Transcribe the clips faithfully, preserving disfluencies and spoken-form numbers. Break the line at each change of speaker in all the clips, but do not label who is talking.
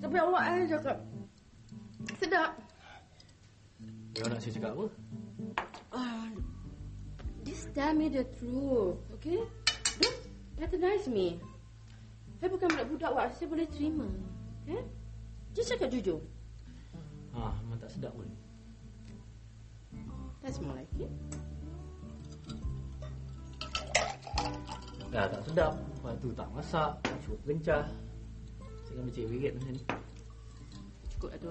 Tapi awak saya cakap sedap.
Dia nak saya cakap apa?
Uh, just tell me the truth, okay? Don't patronize me. Saya bukan budak-budak awak, saya boleh terima. Okay? Just cakap jujur.
Ah, memang tak sedap pun.
That's more like it.
Dah tak sedap. Lepas tu tak masak, cukup kencah. Saya kan becik wirid macam ni.
Cukup lah tu.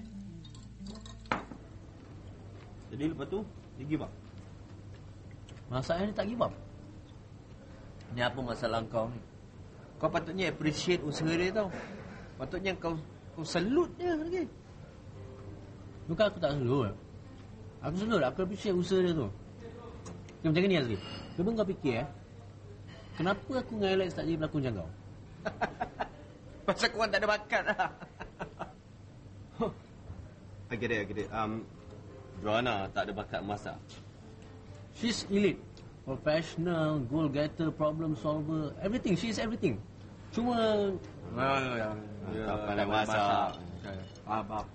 Jadi lepas tu, dia give up?
Masalah ni tak give up.
Ni apa masalah kau ni? Kau patutnya appreciate usaha dia tau. Patutnya kau kau salute dia lagi.
Bukan aku tak salute. Aku salute, aku appreciate usaha dia tu. Dia macam ni Azri. Cuba kau fikir eh. Kenapa aku dengan Alex tak jadi pelakon macam kau?
Pasal korang tak ada bakat lah. I get it, I get it. Um, Joanna tak ada bakat masak.
She's elite. Professional, goal getter, problem solver, everything. She is everything. Cuma
Ah, ya, tak pandai masak.
Faham, faham.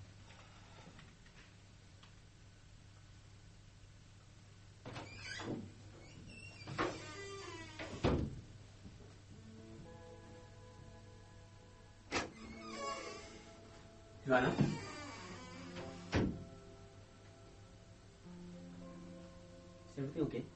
Joanna? Is everything okay?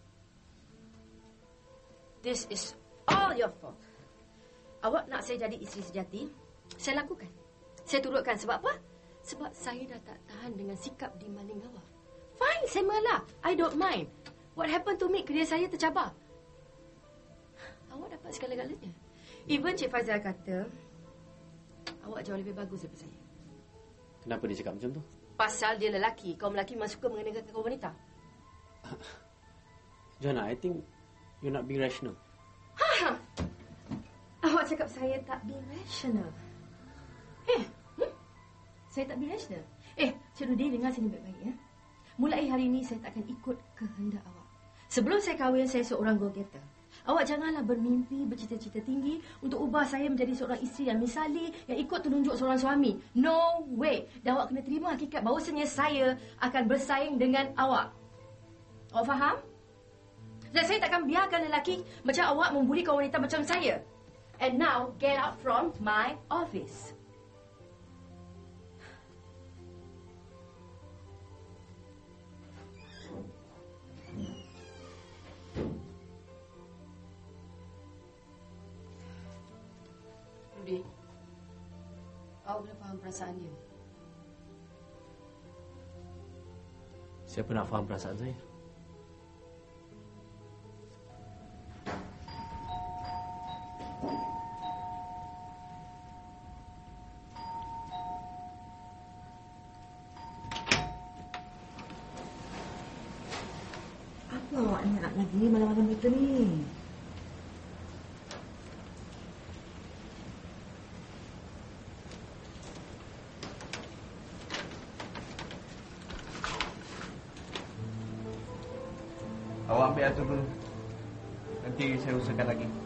This is all your fault. Awak nak saya jadi isteri sejati, saya lakukan. Saya turutkan. Sebab apa? Sebab saya dah tak tahan dengan sikap di maling awak. Fine, saya mengalah. I don't mind. What happened to me? Kerja saya tercabar. Awak dapat segala-galanya. Even Cik Faizal kata, awak jauh lebih bagus daripada saya.
Kenapa dia cakap macam tu?
Pasal dia lelaki. Kaum lelaki memang suka mengenakan kaum wanita.
Joanna, I think you're not being rational.
Ha! Awak cakap saya tak be rational. Eh, hmm? Saya tak be rational. Eh, Cik Rudi, dengar sini baik-baik ya. Mulai hari ini saya tak akan ikut kehendak awak. Sebelum saya kahwin, saya seorang go-getter. Awak janganlah bermimpi, bercita-cita tinggi untuk ubah saya menjadi seorang isteri yang misali, yang ikut tunjuk seorang suami. No way. Dan awak kena terima hakikat bahawasanya saya akan bersaing dengan awak. Awak faham? Dan saya takkan biarkan lelaki macam awak membuli kaum wanita macam saya. And now, get out from my office. Rudy, awak boleh faham perasaan dia.
Siapa nak faham perasaan saya?
Apa awak nak lagi malam-malam betul ni?
Awak ambil atur dulu. Nanti saya usahakan lagi.